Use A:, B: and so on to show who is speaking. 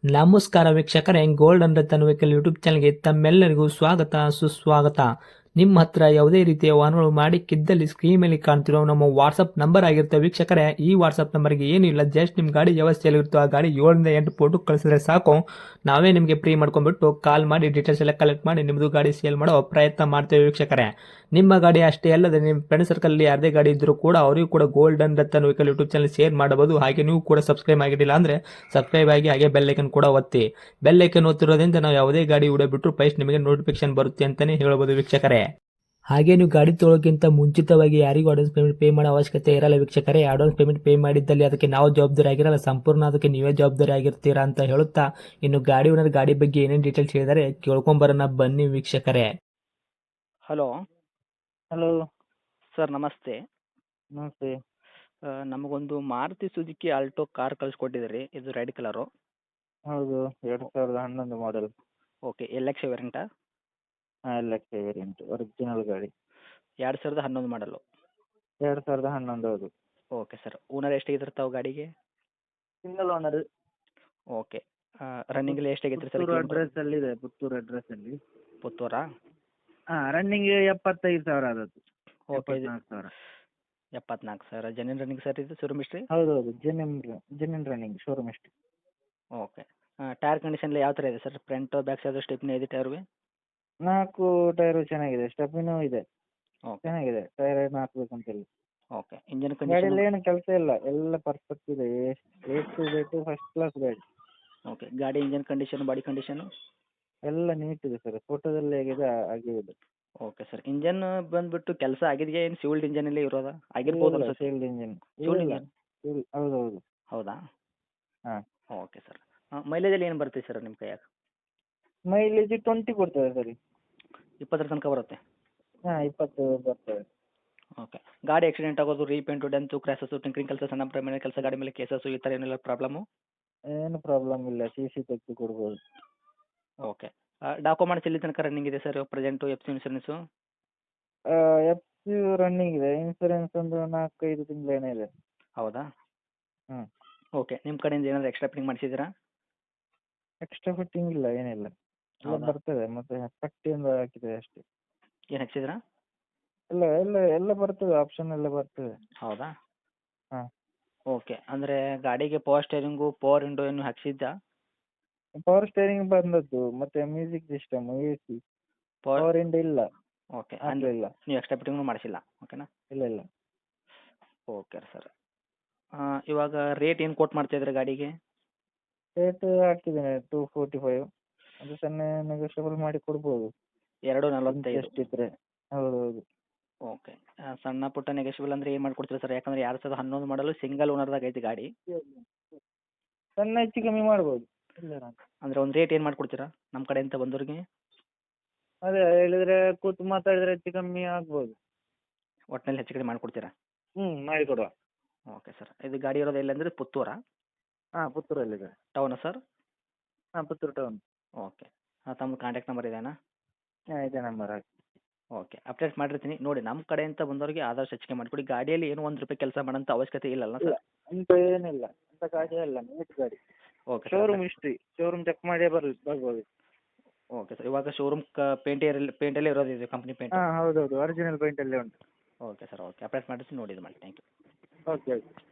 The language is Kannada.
A: ನಮಸ್ಕಾರ ವೀಕ್ಷಕರೇ, gold and Ratan vehicle YouTube ಚಾನಲ್ಗೆ ತಮ್ಮೆಲ್ಲರಿಗೂ ಸ್ವಾಗತ ಸುಸ್ವಾಗತ. ನಿಮ್ಮ ಹತ್ರ ಯಾವುದೇ ರೀತಿಯ ವಾಹನಗಳು ಮಾಡಿಕ್ಕಿದ್ದಲ್ಲಿ ಸ್ಕ್ರೀನ್ ಮೇಲೆ ಕಾಣ್ತಿರೋ ನಮ್ಮ ವಾಟ್ಸಪ್ ನಂಬರ್ ಆಗಿರುತ್ತೆ ವೀಕ್ಷಕರೇ. ಈ ವಾಟ್ಸಪ್ ನಂಬರ್ಗೆ ಏನಿಲ್ಲ, ಜಸ್ಟ್ ನಿಮ್ಮ ಗಾಡಿ ವ್ಯವಸ್ಥೆಯಲ್ಲಿರುತ್ತೋ ಆ ಗಾಡಿ 7 ರಿಂದ 8 ಫೋಟೋ ಕಳಿಸಿದ್ರೆ ಸಾಕು, ನಾವೇ ನಿಮಗೆ ಫ್ರೀ ಮಾಡ್ಕೊಂಡ್ಬಿಟ್ಟು ಕಾಲ್ ಮಾಡಿ ಡೀಟೇಲ್ಸ್ ಎಲ್ಲ ಕಲೆಕ್ಟ್ ಮಾಡಿ ನಿಮ್ಮದು ಗಾಡಿ ಸೇಲ್ ಮಾಡೋ ಪ್ರಯತ್ನ ಮಾಡ್ತೇವೆ ವೀಕ್ಷಕರೇ. ನಿಮ್ಮ ಗಾಡಿ ಅಷ್ಟೇ ಅಲ್ಲದೆ ನಿಮ್ಮ ಫ್ರೆಂಡ್ ಸರ್ಕಲ್ ಯಾರದೇ ಗಾಡಿ ಇದ್ದರೂ ಕೂಡ ಅವರಿಗೂ ಕೂಡ gold and Ratan vehicle YouTube channel share ಮಾಡಬಹುದು. ಹಾಗೆ ನೀವು ಕೂಡ ಸಬ್ಸ್ಕ್ರೈಬ್ ಆಗಿರಲಿಲ್ಲ ಅಂದರೆ ಸಬ್ಸ್ಕ್ರೈಬ್ ಆಗಿ ಹಾಗೆ ಬೆಲ್ ಐಕನ್ ಕೂಡ ಒತ್ತಿ. ಬೆಲ್ ಐಕನ್ ಒತ್ತಿರೋದ್ರಿಂದ ನಾವು ಯಾವುದೇ ಗಾಡಿ ವಿಡಿಯೋ ಬಿಟ್ಟರು ಫಸ್ಟ್ ನಿಮಗೆ ನೋಟಿಫಿಕೇಶನ್ ಬರುತ್ತೆ ಅಂತಾನೆ ಹೇಳ್ಬೋದು ವೀಕ್ಷಕರೇ. ಹಾಗೆ ನೀವು ಗಾಡಿ ತೊಳೋಕ್ಕಿಂತ ಮುಂಚಿತವಾಗಿ ಯಾರಿಗೂ ಅಡ್ವಾನ್ಸ್ ಪೇಮೆಂಟ್ ಪೇ ಮಾಡೋ ಅವಶ್ಯಕತೆ ಇರಲ್ಲ ವೀಕ್ಷಕರೇ. ಅಡ್ವಾನ್ಸ್ ಪೇಮೆಂಟ್ ಪೇ ಮಾಡಿದ್ದಲ್ಲಿ ಅದಕ್ಕೆ ನಾವು ಜವಾಬ್ದಾರಿ ಆಗಿರಲ್ಲ, ಸಂಪೂರ್ಣ ಅದಕ್ಕೆ ನೀವೇ ಜವಾಬ್ದಾರಿ ಆಗಿರ್ತೀರಾ ಅಂತ ಹೇಳುತ್ತಾ, ಇನ್ನು ಗಾಡಿ ಓನರ್ ಗಾಡಿ ಬಗ್ಗೆ ಏನೇನು ಡೀಟೇಲ್ಸ್ ಹೇಳಿದರೆ ಕೇಳ್ಕೊಂಬರೋಣ ಬನ್ನಿ ವೀಕ್ಷಕರೇ.
B: ಹಲೋ
C: ಹಲೋ
B: ಸರ್, ನಮಸ್ತೆ.
C: ನಮಸ್ತೆ.
B: ನಮಗೊಂದು ಮಾರುತಿ ಸುಜುಕಿ ಆಲ್ಟೋ ಕಾರ್ ಕಳಿಸ್ಕೊಟ್ಟಿದ್ದೀರಿ, ಇದು ರೆಡ್ ಕಲರು.
C: ಹೌದು, 2011 ಮಾಡೆಲ್.
B: ಓಕೆ, ಎಲ್ ಎಕ್ಸ್ ವೇರಿಯಂಟಾ?
C: ಹಾಂ, LX ವೇರಿಯಂಟ್ ಒರಿಜಿನಲ್ ಗಾಡಿ.
B: 2011 ಮಾಡಲು.
C: 2011 ಹೌದು.
B: ಓಕೆ ಸರ್, ಓನರ್ ಎಷ್ಟಾಗಿದ್ರೆ ತಾವು ಗಾಡಿಗೆ?
C: Single owner.
B: ಓಕೆ, ರನ್ನಿಂಗಲ್ಲಿ ಎಷ್ಟಾಗೈತೆ ಸರ್?
C: ಪುತ್ತೂರು ಅಡ್ರೆಸ್ಸಲ್ಲಿದೆ, ಪುತ್ತೂರು ಅಡ್ರೆಸ್ಸಲ್ಲಿ.
B: ಪುತ್ತೂರಾ?
C: ಹಾಂ, ರನ್ನಿಂಗ್ 75,000 ಆದದ್ದು.
B: ಓಕೆ,
C: 74,000.
B: 74,000 ಜೆನ್ಯೂನ್ ರನ್ನಿಂಗ್ ಸರ್, ಇದು ಶೋರೂಮ್ ಹಿಸ್ಟ್ರಿ?
C: ಹೌದೌದು, ಜೆನ್ಯೂನ್ ರನ್ನಿಂಗ್, ಶೋರೂಮ್ ಎಷ್ಟು.
B: ಓಕೆ, ಟೈರ್ ಕಂಡೀಷನ್ ಯಾವ ಥರ ಇದೆ sir? Front back side stepney ಇದೆ ಟೈರ್ಗೆ?
C: 4 ಟೈರು ಚೆನ್ನಾಗಿದೆ, ಸ್ಟೆಪ್ಪಿನೂ ಇದೆ.
B: ಓಕೆ
C: ಚೆನ್ನಾಗಿದೆ, ಟೈರ್ ಏನು ಹಾಕ್ಬೇಕಂತಿಲ್ಲ.
B: Okay, engine condition?
C: ಗಾಡಿಯಲ್ಲಿ ಏನು ಕೆಲಸ ಇಲ್ಲ, ಎಲ್ಲ ಪರ್ಫೆಕ್ಟ್ ಇದೆ. ಎಷ್ಟು ಫಸ್ಟ್ ಕ್ಲಾಸ್ ಗಾಡಿ.
B: ಓಕೆ, ಗಾಡಿ ಇಂಜನ್ ಕಂಡೀಷನ್, ಬಾಡಿ ಕಂಡೀಷನು
C: ಎಲ್ಲ ನೀಟ್ ಇದೆ ಸರ್, ಫೋಟೋದಲ್ಲಿ ಹೇಗಿದೆ ಹಾಗೆ ಇದೆ.
B: ಓಕೆ ಸರ್, ಇಂಜನ್ ಬಂದ್ಬಿಟ್ಟು ಕೆಲಸ ಆಗಿದೆಯಾ, ಏನು ಸಿವಿಲ್ಡ್ ಇಂಜನಲ್ಲೇ ಇರೋದಾ? ಆಗಿರ್ಬೋದು ಅನ್ಸುತ್ತೆ.
C: Shield engine.
B: Shield engine?
C: ಹೌದೌದು.
B: ಹೌದಾ?
C: ಹಾಂ.
B: Okay sir. ಮೈಲೇಜಲ್ಲಿ ಏನು ಬರುತ್ತೆ ಸರ್ ನಿಮ್ಮ ಕೈಯಾಗ?
C: ಮೈಲೇಜ್ 20 ಕೊಡ್ತದೆ ಸರಿ.
B: 20 ತನಕ ಬರುತ್ತೆ?
C: ಹಾಂ, 20 ಬರ್ತದೆ.
B: ಓಕೆ, ಗಾಡಿ ಆಕ್ಸಿಡೆಂಟ್ ಆಗೋದು, ರೀಪೇಂಟು, ಡೆಂತು, ಕ್ರ್ಯಾಸಸ್ಸು, ಟಿಂಕ್ರಿಂಗ್ ಕೆಲಸ, ಸಣ್ಣ ಪ್ರಮಾಣ ಕೆಲಸ, ಗಾಡಿ ಮೇಲೆ ಕೇಸಸ್ಸು, ಈ ಥರ ಏನೆಲ್ಲ ಪ್ರಾಬ್ಲಮ್ಮು?
C: ಏನು ಪ್ರಾಬ್ಲಮ್ ಇಲ್ಲ, CC ತೆಗೆದು ಕೊಡ್ಬೋದು.
B: ಓಕೆ, ಡಾಕ್ಯುಮೆಂಟ್ಸ್ ಎಲ್ಲಿ ತನಕ ರನ್ನಿಂಗ್ ಇದೆ sir present? F C insurance?
C: FC running ಇದೆ, ಇನ್ಸೂರೆನ್ಸ್ ಒಂದು 4-5 ತಿಂಗಳೇನೇ ಇದೆ.
B: ಹೌದಾ?
C: ಹ್ಞೂ.
B: ಓಕೆ, ನಿಮ್ಮ ಕಡೆಯಿಂದ ಏನಾದರೂ ಎಕ್ಸ್ಟ್ರಾ ಫಿಟ್ಟಿಂಗ್ ಮಾಡಿಸಿದ್ದೀರಾ?
C: ಎಕ್ಸ್ಟ್ರಾ ಫಿಟ್ಟಿಂಗ್ ಇಲ್ಲ, ಏನಿಲ್ಲ. ಎಲ್ಲ
B: ಹೌದಾ?
C: ಬರ್ತದೆ, ಮತ್ತೆ ಪಟ್ಟಿಯಿಂದ ಹಾಕಿದೆ ಅಷ್ಟೇ.
B: ಏನು ಹಾಕ್ಸಿದ್ರಾ?
C: ಎಲ್ಲ ಬರ್ತದೆ, ಆಪ್ಷನ್ ಎಲ್ಲ ಬರ್ತದೆ.
B: ಹೌದಾ?
C: ಹಾಂ.
B: ಓಕೆ, ಅಂದರೆ ಗಾಡಿಗೆ ಪವರ್ ಸ್ಟೇರಿಂಗು, ಪವರ್ ವಿಂಡೋ ಏನು ಹಾಕ್ಸಿದ್ದಾ?
C: ಪವರ್ ಸ್ಟೇರಿಂಗ್ ಬಂದದ್ದು, ಮತ್ತೆ ಮ್ಯೂಸಿಕ್ ಸಿಸ್ಟಮ್, AC. ಪವರ್ ಇಂಡ್ ಇಲ್ಲ,
B: ಓಕೆ,
C: ಹಾಕಲಿಲ್ಲ.
B: ನೀವು ಎಕ್ಸ್ಟ್ರಾ ಫಿಟ್ಟಿಂಗ್ನು ಮಾಡಿಸಿಲ್ಲ, ಓಕೆನಾ?
C: ಇಲ್ಲ.
B: Okay sir. ಇವಾಗ ರೇಟ್ ಏನು ಕೋಟ್ ಮಾಡ್ತಾ ಇದ್ದೀರಾ ಗಾಡಿಗೆ?
C: ರೇಟ್ ಹಾಕಿದ್ದೇನೆ 245. ಅದು ಸಣ್ಣ ನೆಗೋಷಿಯಬಲ್ ಮಾಡಿ ಕೊಡ್ಬೋದು.
B: 245?
C: ಎಷ್ಟಿದ್ರೆ. ಹೌದೌದು.
B: ಓಕೆ, ಸಣ್ಣ ಪುಟ್ಟ ನೆಗೋಷಿಯಬಲ್ ಅಂದರೆ ಏನು ಮಾಡ್ಕೊಡ್ತೀರಾ ಸರ್? ಯಾಕಂದರೆ 2011 ಮಾಡಲು ಸಿಂಗಲ್ ಓನರ್ದಾಗ ಐತೆ ಗಾಡಿ.
C: ಸಣ್ಣ ಹೆಚ್ಚು ಕಮ್ಮಿ ಮಾಡ್ಬೋದು. ಇಲ್ಲ
B: ಅಂದರೆ ಒಂದು ರೇಟ್ ಏನು ಮಾಡ್ಕೊಡ್ತೀರಾ ನಮ್ಮ ಕಡೆಯಿಂದ ಬಂದವ್ರಿಗೆ?
C: ಅದೇ ಹೇಳಿದ್ರೆ ಕೂತು ಮಾತಾಡಿದ್ರೆ ಹೆಚ್ಚು ಕಮ್ಮಿ ಆಗ್ಬೋದು.
B: ಒಟ್ಟಿನಲ್ಲಿ ಹೆಚ್ಚು ಕಡಿಮೆ ಮಾಡಿಕೊಡ್ತೀರಾ?
C: ಮಾಡಿಕೊಡುವ.
B: ಓಕೆ ಸರ್, ಇದು ಗಾಡಿ ಇರೋದು ಎಲ್ಲಂದರೆ ಪುತ್ತೂರಾ?
C: ಹಾಂ, ಪುತ್ತೂರಲ್ಲಿದೆ.
B: ಟೌನಾ ಸರ್?
C: ಹಾಂ, ಪುತ್ತೂರು ಟೌನ್.
B: ಓಕೆ, ತಮ್ಮ ಕಾಂಟ್ಯಾಕ್ಟ್ ನಂಬರ್ ಇದೇನಾ?
C: ಹಾಂ, ಇದೇ ನಂಬರ್ ಹಾಕಿ.
B: ಓಕೆ, ಅಪ್ಡೇಟ್ ಮಾಡಿರ್ತೀನಿ ನೋಡಿ. ನಮ್ಮ ಕಡೆಯಿಂದ ಬಂದವರಿಗೆ ಆದಷ್ಟು ಹೆಚ್ಚಿಗೆ ಮಾಡಿಕೊಡಿ. ಗಾಡಿಯಲ್ಲಿ ಏನು ₹1 ಕೆಲಸ ಮಾಡೋಂಥ ಅವಶ್ಯಕತೆ ಇಲ್ಲಲ್ಲ ಸರ್?
C: ಅಂತ ಏನಿಲ್ಲ, ಅಂತ ಗಾಡಿ ಅಲ್ಲ, ನೀಟ್ ಗಾಡಿ.
B: Okay sir.
C: Showroom history, showroom check ಮಾಡಿ ಬರ್ಬೋದು.
B: ಓಕೆ ಸರ್, ಇವಾಗ ಶೋರೂಮ್ ಪೇಂಟಲ್ಲೇ ಇರೋದು ಇದು, ಕಂಪ್ನಿ ಪೇಂಟ್?
C: ಹಾಂ, ಹೌದೌದು, ಒರಿಜಿನಲ್ ಪೇಂಟಲ್ಲೇ ಉಂಟು.
B: ಓಕೆ ಸರ್, ಓಕೆ, ಅಪ್ಡೇಟ್ ಮಾಡಿಸಿ ನೋಡಿ ಇದು ಮಾಡಿ. Thank you.
C: ಓಕೆ.